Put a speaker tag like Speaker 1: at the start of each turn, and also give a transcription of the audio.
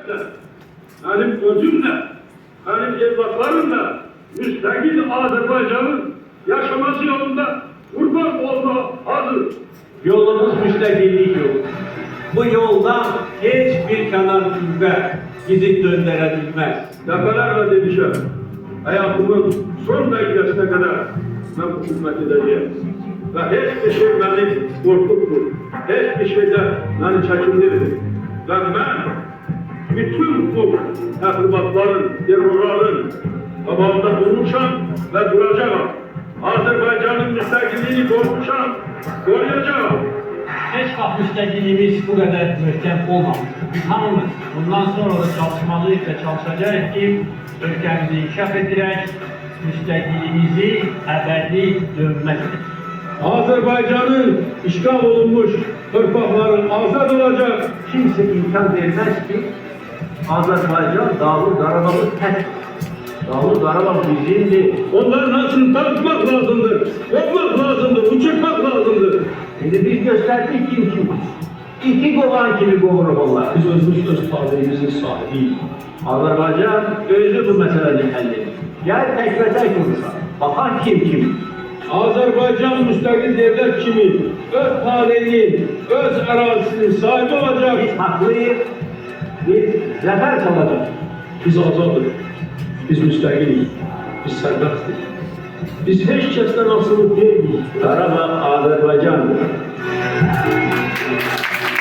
Speaker 1: benim özümle, benim evlatlarımla müstakil Azerbaycan'ın yaşaması yolunda kurban olma hazır.
Speaker 2: Yolumuz müstakillik yolu. Bu yoldan hiçbir kanar kuvvet bizi döndürebilmez.
Speaker 1: Defalarla demişim, hayatımın son dakikasına kadar ben bu hizmet edeceğim. Ve hiçbir şey beni korkutmur. Hiçbir şeyde beni çekindirir. Ve ben bütün bu tahribatların, terörlerin tabağında durmuşam ve duracağım. Azerbaycan'ın müstakilliğini korumuşam, koruyacağım.
Speaker 3: Hiç vaxt müstəqilliyimiz bu qədər möhkəm olmamışdır. Biz hamımız bundan sonra da çalışmalıyıq və çalışacağıq ki, ölkəmizi inkişaf etdirək, müstəqilliyimizi əbədi dönməkdir.
Speaker 1: Azerbaycan'ın işgal olunmuş torpakları azad olacak.
Speaker 2: Kimse imkan vermez ki Azerbaycan Dağlı Qarabağ'ı tək. Dağlı Qarabağ bizimdir.
Speaker 1: Onların nasıl tanıtmak lazımdır, kopmak lazımdır, uçurmak lazımdır.
Speaker 2: Şimdi biz gösterdik kim? İki kovan kimi kovuruq onlar.
Speaker 1: Biz özümüz öz talihimizin sahibiyiz.
Speaker 2: Azerbaycan özü bu meselenin həllidir. Gel tek ve tek konuşalım. Bakan kim?
Speaker 1: Azerbaycan müstakil devlet kimi öz talihinin, öz arazisinin sahibi olacak.
Speaker 2: Biz haklıyız. Biz zafer çalacağız.
Speaker 1: Biz azadız, biz müstakiliz, biz serbestiz. Biz hiç kesten asılı değiliz.
Speaker 2: Qarabağ Azerbaycandır.